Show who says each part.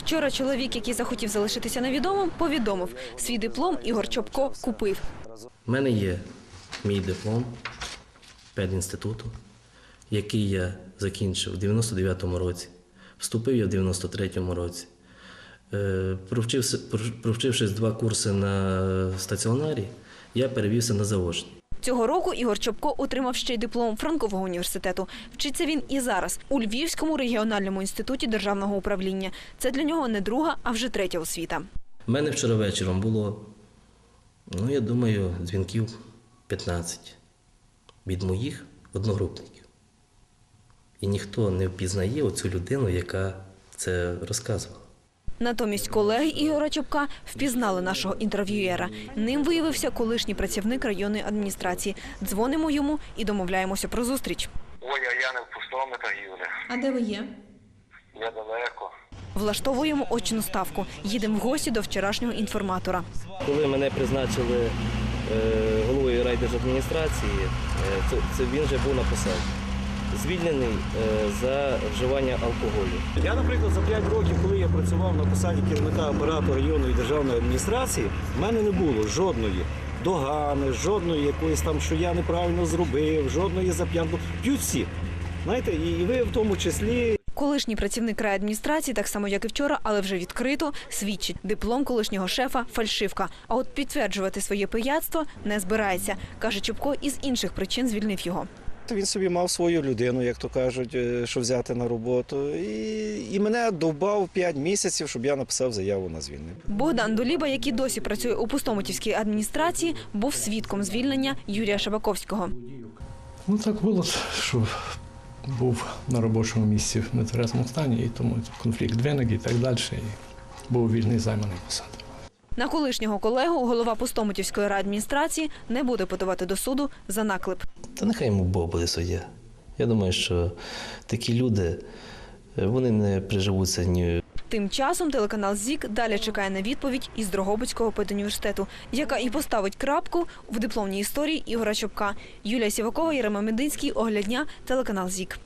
Speaker 1: Вчора чоловік, який захотів залишитися невідомим, повідомив, свій диплом Ігор Чопко купив.
Speaker 2: У мене є мій диплом педінституту, який я закінчив у 99-му році, вступив я в 93-му році. Провчившись 2 курси на стаціонарі, я перевівся на заочний.
Speaker 1: Цього року Ігор Чопко отримав ще й диплом Франкового університету. Вчиться він і зараз у Львівському регіональному інституті державного управління. Це для нього не друга, а вже третя освіта.
Speaker 2: У мене вчора вечором було, я думаю, дзвінків 15 від моїх одногрупників. І ніхто не впізнає оцю людину, яка це розказувала.
Speaker 1: Натомість колеги Ігоря Чопка впізнали нашого інтерв'юєра. Ним виявився колишній працівник районної адміністрації. Дзвонимо йому і домовляємося про зустріч.
Speaker 3: Ой, а я не в пустому торгівлі.
Speaker 1: А де ви є?
Speaker 3: Я далеко.
Speaker 1: Влаштовуємо очну ставку. Їдемо в гості до вчорашнього інформатора.
Speaker 2: Коли мене призначили головою райдержадміністрації, він вже був на посаді. Звільнений за вживання алкоголю.
Speaker 4: Я, наприклад, за 5 років, коли я працював на посаді керівника апарату районної державної адміністрації, в мене не було жодної догани, жодної якоїсь там, що я неправильно зробив, жодної зап'янку. П'ють всі. Знаєте, і ви в тому числі.
Speaker 1: Колишній працівник райадміністрації, так само як і вчора, але вже відкрито, свідчить. Диплом колишнього шефа – фальшивка. А от підтверджувати своє пияцтво не збирається. Каже, Чопко із інших причин звільнив його.
Speaker 4: Він собі мав свою людину, як то кажуть, що взяти на роботу. І мене довбав 5 місяців, щоб я написав заяву на звільнення.
Speaker 1: Богдан Доліба, який досі працює у Пустомутівській адміністрації, був свідком звільнення Юрія Шабаковського.
Speaker 5: Так було, що був на робочому місці в нетверезому стані, і тому конфлікт виник і так далі, і був вільний займаний посаду.
Speaker 1: На колишнього колегу голова Пустомутівської райадміністрації не буде подавати до суду за наклеп.
Speaker 2: Та нехай йому Бог буде суддя. Я думаю, що такі люди, вони не приживуться ні.
Speaker 1: Тим часом телеканал ЗІК далі чекає на відповідь із Дрогобицького педуніверситету, яка і поставить крапку в дипломній історії Ігоря Чопка. Юлія Сівакова, Єрема Мединський, Огляд дня, телеканал ЗІК.